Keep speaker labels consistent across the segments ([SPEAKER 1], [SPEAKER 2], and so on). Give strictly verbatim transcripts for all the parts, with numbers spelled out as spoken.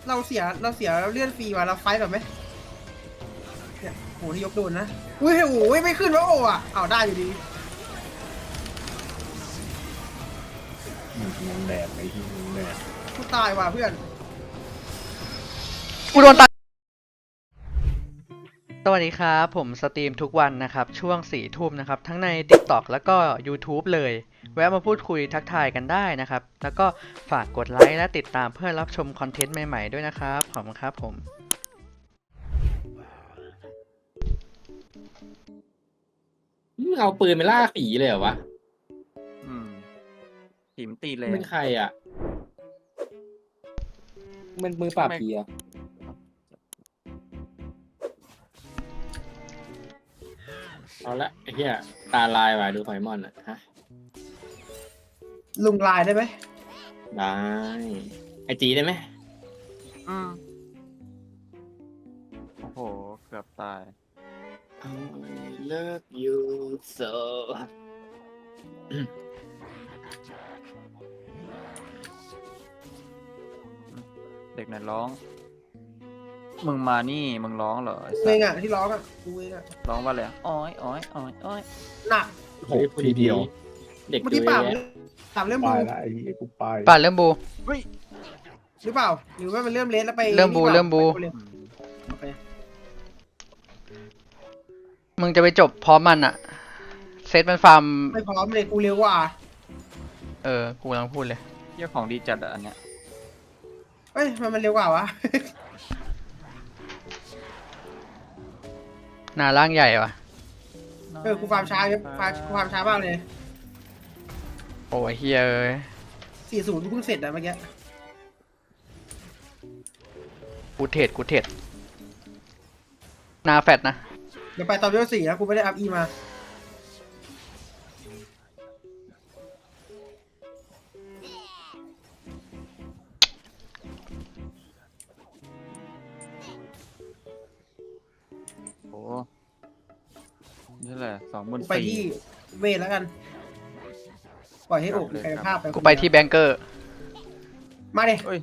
[SPEAKER 1] เราเสียเราเสียเลื่อนฟรีว่ะเราไฟแบบไหมเนี่ยโหที่ยกโดนนะอุ้ยโอ้ยไม่ขึ้นวะโอ้อะเอาได้อยู่ดี
[SPEAKER 2] มึงแดดไอ้ที่มึงแดด
[SPEAKER 1] กูตายว่ะเพื่อน
[SPEAKER 3] กูโดนตัดสวัสดีครับผมสตรีมทุกวันนะครับช่วงสี่ทุ่มนะครับทั้งใน TikTok แล้วก็ YouTube เลยแวะมาพูดคุยทักทายกันได้นะครับแล้วก็ฝากกดไลค์และติดตามเพื่อรับชมคอนเทนต์ใหม่ๆด้วยนะครับขอบคุณครับผม
[SPEAKER 2] มึงเอาปืนไปล่าผีเลยเหรอวะ
[SPEAKER 4] อืมผีมันตีแร
[SPEAKER 2] มึ
[SPEAKER 4] ง
[SPEAKER 2] งใครอ่ะมันมือปราบผีอ่ะเอาละไอ้เหี้ยตาลายว่ะดูไฟมอนอ่ะฮะ
[SPEAKER 1] ลุงลายได้ไหม
[SPEAKER 2] ได้ไอจีได้ไหม
[SPEAKER 4] อืมโอ้โหเกือบตาย
[SPEAKER 2] I love you so
[SPEAKER 4] เด็กไหนร้อง มึงมานี่มึงร้องเหรอไอ้
[SPEAKER 1] กู
[SPEAKER 4] สั
[SPEAKER 1] เอ
[SPEAKER 4] ส
[SPEAKER 1] งอะที่ร้องอะกูเองอะ
[SPEAKER 4] ร้องว่าอะไรอ้อยอ้อยอ้อยอ้อย
[SPEAKER 1] หนัก
[SPEAKER 2] โหทีเดียวเด็ก
[SPEAKER 1] เมื่อ
[SPEAKER 2] ดู
[SPEAKER 1] กี้ปราบ
[SPEAKER 2] แย่
[SPEAKER 1] ถามเรื่อง
[SPEAKER 5] ไป
[SPEAKER 1] บู
[SPEAKER 5] ละไอ้ไอ้กูไป
[SPEAKER 3] ป่าดเริ่มบู
[SPEAKER 1] หรือเปล่าหรือว่ามันเริ่มเลสแล้วไป
[SPEAKER 3] เริ่มบูเริ่มบู
[SPEAKER 1] ไปเลย
[SPEAKER 4] อืม
[SPEAKER 1] โอเค
[SPEAKER 3] มึงจะไปจบพร้อมมันอะเซตมันฟาร์ม
[SPEAKER 1] ไม่พร้อมเลยกูเร็วกว่า
[SPEAKER 3] เออกูกำลังพูดเลย
[SPEAKER 4] เหี้ยของดีจัดอะอันเนี้ย
[SPEAKER 1] เอ้ยมันมันเร็วกว่าวะ
[SPEAKER 3] หน้าร่างใหญ่ว่ะ
[SPEAKER 1] เออกูฟาร์มช้าเยอะฟาร์มกูฟาร์มช้ามากเลย
[SPEAKER 3] โอ้ยเฮียเอ้ย
[SPEAKER 1] สี่ศูนย์กูเพิ่งเสร็จอะเมื่อกี้
[SPEAKER 3] กูเทรดกูเทรดหน้าแฟดนะ
[SPEAKER 1] เดี๋ยวไปตอนเวลสี่แล้วกูไม่ได้อัพอีมา
[SPEAKER 4] โอ้นี่แหละสองหมื่น
[SPEAKER 1] ไป
[SPEAKER 4] สี่
[SPEAKER 1] ที่เวทแล้วกัน ปล่อยให้อกกายภาพไป
[SPEAKER 3] กูไปที่แบงเกอร์
[SPEAKER 1] มาดิ
[SPEAKER 4] เอ้ย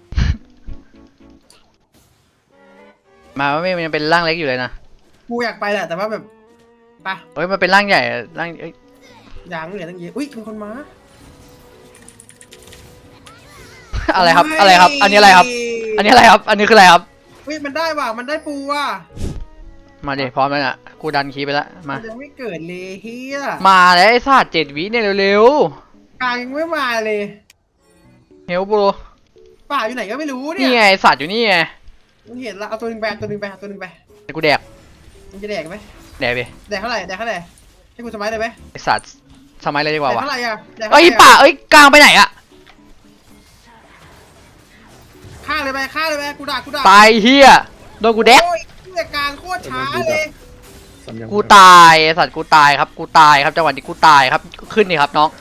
[SPEAKER 3] มาว่าไม่มันยังเป็นร่างเล็กอยู่เลยนะ
[SPEAKER 1] กูอยากไปแหละแต่ว่าแบบไป
[SPEAKER 3] เฮ้ยมันเป็นร่างใหญ่อะร่างเอ้ย
[SPEAKER 1] ยางเหลือตั้งเยอะอุ้ยมีคนมา
[SPEAKER 3] อะไรครับอะไรครับ อันนี้อะไรครับ อันนี้อะไรครับ อันนี้คืออะไรครับ
[SPEAKER 1] อุ้ยมันได้ว่ะมันได้ปูว่ะ
[SPEAKER 3] มาดิพร้อมแล้วน่ะกูดันคีย์ไปแล้วมา
[SPEAKER 1] มันยังไม่เกิดเลยเฮีย
[SPEAKER 3] มาแล้วไอ้สัตว์เจ็ดวิเนี่ยเร็ว
[SPEAKER 1] กลางยังไม่มาเลย
[SPEAKER 3] ๆเฮลโบร
[SPEAKER 1] ป่าอยู่ไหนก็ไม่รู้เนี่
[SPEAKER 3] นี่
[SPEAKER 1] ย
[SPEAKER 3] ไงไอ้สัตว์อยู่นี่ไง
[SPEAKER 1] มึงเห็นละเอาตัวหนึงไปเอาตัวหนึงไปเอาตัวหนึงไป
[SPEAKER 3] เดี๋ยวกูแดก
[SPEAKER 1] มึงจะแดกไหม
[SPEAKER 3] แดกไป
[SPEAKER 1] แดกเท่าไหร่แดกเท่าไหร่ให้กูสมัยได้ไหม
[SPEAKER 3] ไอ้สัตว์สมัยเลยดีก
[SPEAKER 1] แด
[SPEAKER 3] ว่าก วะ
[SPEAKER 1] เท่าไหร่อะแดก
[SPEAKER 3] เอ้
[SPEAKER 1] เท่าย ไหร่
[SPEAKER 3] ป่า
[SPEAKER 1] อะ
[SPEAKER 3] เอ้ยกลางไปไหนอะ
[SPEAKER 1] ฆ่าเลยไปฆ่าเลยไปกูด่ากูด่า
[SPEAKER 3] ตายเฮียโดนกูแดก
[SPEAKER 1] โอ้ยเหี้ยกลางโคตรช้าเลย
[SPEAKER 5] สัญญาณ
[SPEAKER 3] กูตายไอ้สัตว์กูตายครับกูตายครับจังหวะนี้กูตายครับขึ้นนี่ครับน้อง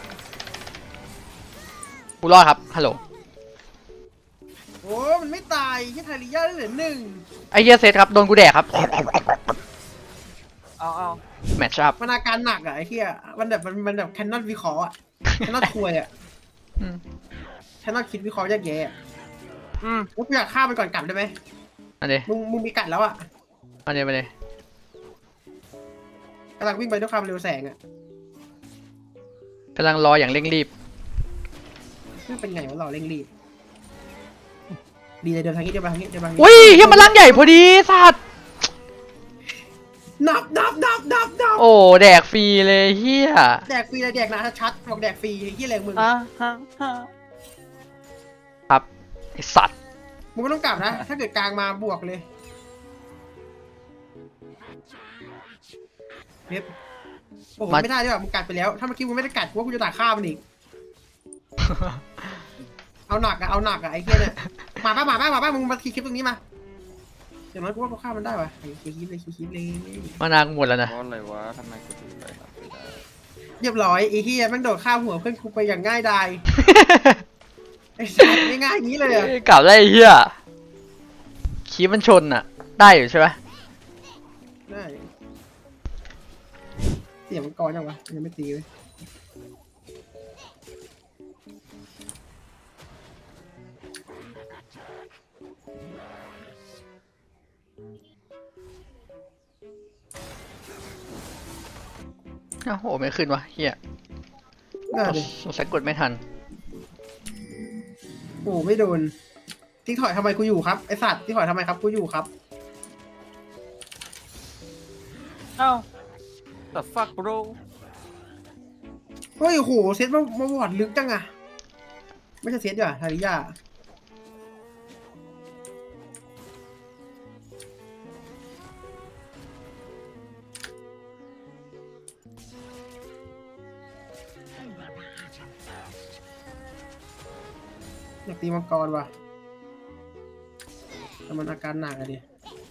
[SPEAKER 3] กูรอดครับฮัลโหล
[SPEAKER 1] โอ้มันไม่ตายที่ไทริยาได้เหลือหนึ่ง
[SPEAKER 3] ไอ้เฮียเซตครับโดนกูแดกครับ
[SPEAKER 4] เอาเอา
[SPEAKER 3] แมทช์อัพ
[SPEAKER 1] มันอาการหนักอะไอ้เหี้ยมันแบบมันมันแบบแคนนอนวิเคราะห์อะแคนนอนควยอะแคนนอนคิดวิเคราะห์แยกแยะอะ
[SPEAKER 4] อืม
[SPEAKER 1] แล้วกูอยากฆ่ามันก่อนกลับได้ไหม
[SPEAKER 3] อันนี้
[SPEAKER 1] มึงมึงมีกัดแล้วอะ
[SPEAKER 3] อันนี้มาเลย
[SPEAKER 1] กำลังวิ่งไปด้วยความเร็วแสงอะ
[SPEAKER 3] กำลังรออย่างเร่งรีบ
[SPEAKER 1] นี่เป็นไงวะเราเร่งรีบดีเลยเดินทางนี้เดินมาทางนี้เดินมาทางนี้
[SPEAKER 3] อุ้ยเฮียมันร่างใหญ่พอดีสัตว์
[SPEAKER 1] นับนับนับนับนับ
[SPEAKER 3] โอ้แดกฟรีเลยเฮีย
[SPEAKER 1] แดกฟรีเลยแดกนะชัดบอกแดกฟรีไอ้เหี้ยแรงมึง
[SPEAKER 4] อ่ะฮะฮะ
[SPEAKER 3] ครับไอสัตว์
[SPEAKER 1] มึงไม่ต้องกลับนะ ถ้าเกิดกลางมาบวกเลยเว็บโอ้โหไม่ได้ด้วยว่ะมึงกัดไปแล้ว ถ้าเมื่อกี้มึงไม่ได้กัดกูว่ากูจะด่าฆ่ามันอีก เอาหนักอะเอาหนักอะไอ้เหี้ยเนี่ยมาป้ามาป้ามาป้ามึงมาคีย์คลิปตรงนี้มาอย่างน้อยกูว่ากูฆ่ามันได้ว่ะคีย์คลิปเลยคีย์คลิปเลย
[SPEAKER 3] มานางหมดแล้วนะ
[SPEAKER 4] เพราะอะไรวะทำไมกูถึงไปทำไม่ได้
[SPEAKER 1] เรียบร้อยไอ้เหี้ยแม่งโดดข้ามหัวเพื่อนกูไปอย่างง่ายดายไอ้สัสง่ายๆอย่างนี้เลยอะ
[SPEAKER 3] กลับได้ไอ้เฮียคีบมันชนอ่ะ ได้อยู่ใช่ไหม
[SPEAKER 1] ได้เสียงมันกรยังวะยังไม่ตีเลย
[SPEAKER 3] โอ้โหไม่ขึ้นวะเฮีย
[SPEAKER 1] น่าดิ
[SPEAKER 3] สงสัยกดไม่ทัน
[SPEAKER 1] โอ้ไม่โดนทิ้งถอยทำไมกูอยู่ครับไอสัตว์ทิ้งถอยทำไมครับกูอยู่ครับ
[SPEAKER 4] เอ้า the fuck bro
[SPEAKER 1] เฮ้ยโอ้โหเซตมามาวอดลึกจังอะไม่ใช่เซตดีกว่าทาริยาอยากตีมังกรว่ะแต่มันอาการหนักอะดิ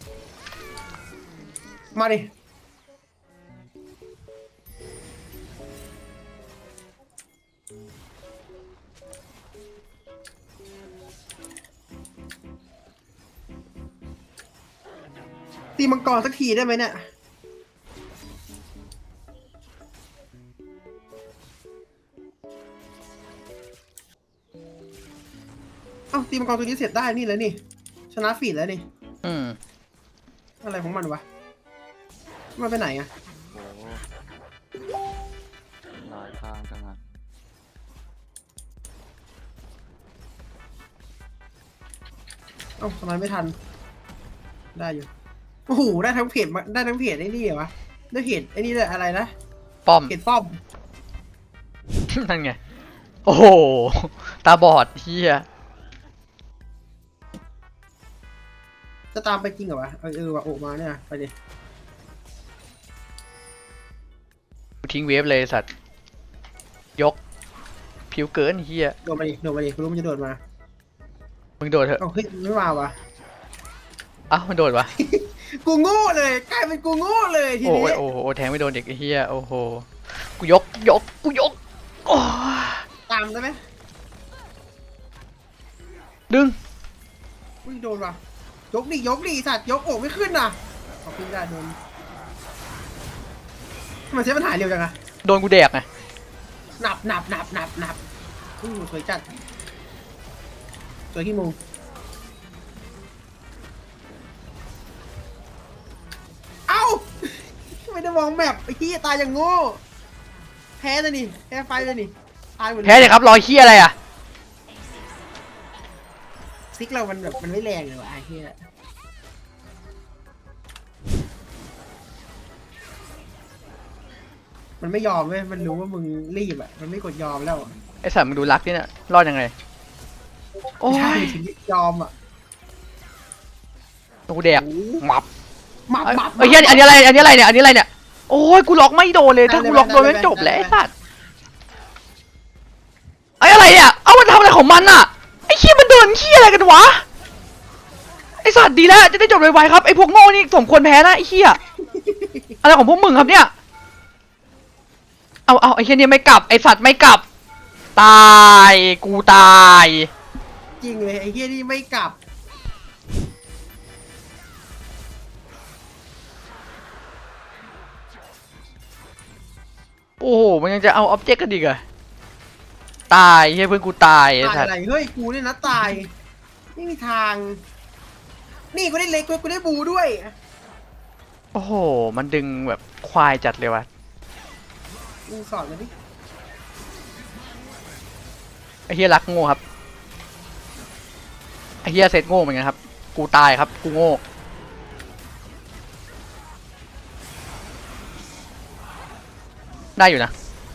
[SPEAKER 1] มาดิตีมังกรสักทีได้ไหมเนี่ยเอ้าตีมังกรตัวนี้เสร็จได้นี่แล้วนี่ชนะฟีดแล้วนี่
[SPEAKER 3] อืม
[SPEAKER 1] อะไรของมันวะมันไปไหนอะ
[SPEAKER 4] โอ้หลายทางจังอ่ะ
[SPEAKER 1] เอ้าทำไมไม่ทันได้อยู่โอ้โหได้ทั้งเพจมาได้ทั้งเพจไอ้นี่เหรอวะได้เพจไอ้นี่เลยอะไรนะ
[SPEAKER 3] ป้อม
[SPEAKER 1] เพจป้อม
[SPEAKER 3] นั่นไง โอ้โห ตาบอดเฮีย
[SPEAKER 1] จะตามไปจริงเหรอวะเออเออวะโอมาเนี่ยไปดิ
[SPEAKER 3] กูทิ้งเวฟเลยสัตว์ ยก ผิวเกินเฮีย
[SPEAKER 1] โดดมาดิโดดมาดิกูรู้มันจะโดดมา
[SPEAKER 3] มึงโดดเถอะ
[SPEAKER 1] เอ้าเฮ้ยไม่มาวะ
[SPEAKER 3] อ้าวมันโดดวะ
[SPEAKER 1] กูโง่เลยกลายเป็นกูโง่เลยที
[SPEAKER 3] โอ้
[SPEAKER 1] นี้
[SPEAKER 3] ยโอ้โหแทงไม่โดนเด็กไอ้เฮียโอ้โห กูยก ยก กูยก โอ้ย
[SPEAKER 1] ตามได้ไหม
[SPEAKER 3] ดึง
[SPEAKER 1] อุ้ยโดนว่ะยกดิยกดิสัตว์ยกโอ้ไม่ขึ้นน่ะขอบคุณได้โดนทำไมันใช้ปัญหาเร็วจังอะ
[SPEAKER 3] โดนกูแดกไง
[SPEAKER 1] หนับหนับหนับหนับหนับอู้สวยจัดสวยขี้มุงเอ้า ไม่ได้มองแมปไอ้ขี้ยตายอย่างโง่แพ้เลยนี่แพ้ไฟเลยนี่ตายหมดเลย
[SPEAKER 3] แพ้เลยครับรอยเฮียอะไรอ่ะ
[SPEAKER 1] ซิกเรามันแบบมันไม่แรงเลยว่ะไอ้ขี้ยมันไม่ยอมเว้ยมันรู้ว่ามึงรีบอ่ะมันไม่กดยอมแล้ว
[SPEAKER 3] ไอสัตว์มึงดูรักนี่เนี่ยรอดยังไง โอ้
[SPEAKER 1] ใช่
[SPEAKER 3] ย
[SPEAKER 1] ถึงยอมอ่ะ
[SPEAKER 3] กูแดกหมับ
[SPEAKER 1] หมับ
[SPEAKER 3] เอ้ย
[SPEAKER 1] หมับ
[SPEAKER 3] เอ้ยอันนี้อะไร อันนี้อะไรเนี่ย อันนี้อะไรเนี่ย โอ้ย กูล็อกไม่โดนเลย ถ้ากูล็อกโดนมันจบแล้วไอ้สัตว์ไอ้อะไรเนี่ย เอามันทำอะไรของมันอ่ะ ไอ้เหี้ยมันเดินเหี้ยอะไรกันวะ ไอ้สัตว์ดีแล้ว จะได้จบไวๆครับ ไอ้พวกโง่นี่สมควรแพ้นะไอ้เหี้ยอะไรของพวกมึงครับเนี่ย เอาเอาไอ้เหี้ยนี่ไม่กลับ ไอ้สัตว์ไม่กลับ ตาย กูตาย
[SPEAKER 1] จริงเลยไอ้เหี้ยนี่ไม่กลับ
[SPEAKER 3] โอ้โห มันยังจะเอาออบเจกต์กันอีกเหรอตายเฮ้ยเพื่อนกูตายไอ้
[SPEAKER 1] ตาย
[SPEAKER 3] สัต
[SPEAKER 1] อะ
[SPEAKER 3] ว์
[SPEAKER 1] ไรเฮ้ยกูเนี่ยนะตายไม่มีทาง นี่กูได้เล็กกูได้บูด้วย
[SPEAKER 3] โอ้โห มันดึงแบบควายจัดเลยวะ
[SPEAKER 1] มึงสอนมาดิ
[SPEAKER 3] ไอ้เฮียรักโง่ครับ ไอ้เฮียเซตโง่เหมือนกันครับ กูตายครับ กูโง่ ได้อยู่นะ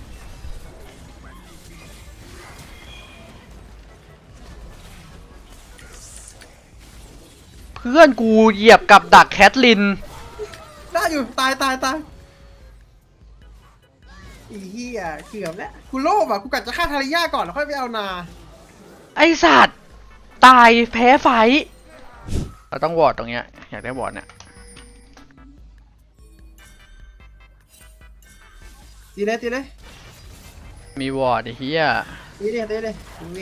[SPEAKER 3] เพื่อนกูเหยียบกับดักแคทลิน
[SPEAKER 1] ได้อยู่ตายตายตายไอ้เหี้ยเกือบแล้วกูโลภอ่ะกูกัดจะฆ่าทาริยาก่อนแล้วค่อยไปเอานา
[SPEAKER 3] ไอสัตว์ ตายแพ้ไฟท์เราต้องวอร์ดตรงเนี้ย อยากได้วอร์ดเนี่ย
[SPEAKER 1] ตีเลยตีเลย
[SPEAKER 3] มีวอร์ดไอ้เฮีย
[SPEAKER 1] ตีเลยตีเลยกูเอง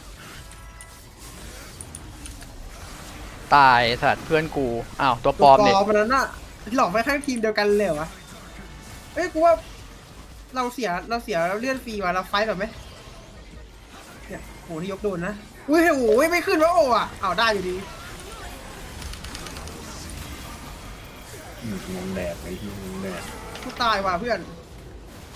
[SPEAKER 3] ตายไอ้สัตว์เพื่อนกู อ้าว ตัวปลอมเนี่ย
[SPEAKER 1] ตัวปลอมมันนั้นน่ะที่หลอกไปข้างทีมเดียวกันเลยเหรอวะเอ้ยกูว่าเราเสียเราเสียเราเลื่อนฟรีว่ะเราไฟต์แบบไหมเนี่ยโหที่ยกโดนนะอุ้ยโอ้ยไม่ขึ้นวะโอ้อ่ะเอาได้อยู่ดี
[SPEAKER 5] อืมงงแดดไอ้ที่งงแดด
[SPEAKER 1] กูตายว่ะเพื่อน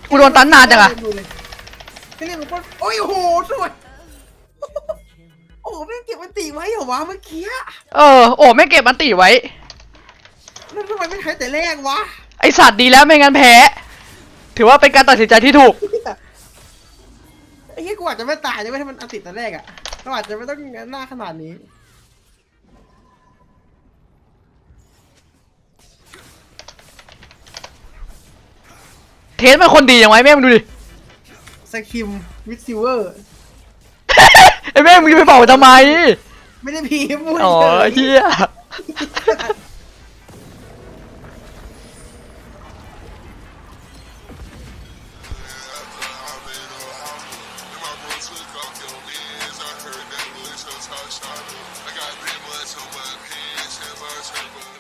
[SPEAKER 3] กูโดนตันนานจังอะ
[SPEAKER 1] ดูเลยแค่นี้มันก็โอ้ยโอ้โหสวยโอ้โหไม่งเก็บมันตีไว้เหรอวะเมื่อกี้
[SPEAKER 3] เออโอ้ไม่เก็บมันตีไว้
[SPEAKER 1] แล้วทำไมไม่ใช้แต่แรกวะ
[SPEAKER 3] ไอสัตว์ดีแล้วไม่งั้นแพ้ ถือว่าเป็นการตัดสินใจที่ถูก
[SPEAKER 1] ไอ้เหี้ยกูอาจจะไม่ตายใช่ไหมถ้ามันอันติดแต่แรกอ่ะเราอาจจะไม่ต้องหน้าขนาดนี้
[SPEAKER 3] เทสเป็นคนดีอย่างไรแม่มึงดูดิ
[SPEAKER 1] สกิมวิดซิลเวอร์
[SPEAKER 3] ไอแม่มึงจะไปเป่าทำไม
[SPEAKER 1] ไม่ได้พีมพูด
[SPEAKER 3] อ๋อ
[SPEAKER 1] เฉย
[SPEAKER 3] เฮีย
[SPEAKER 6] I got big butts on my pants and my turbo.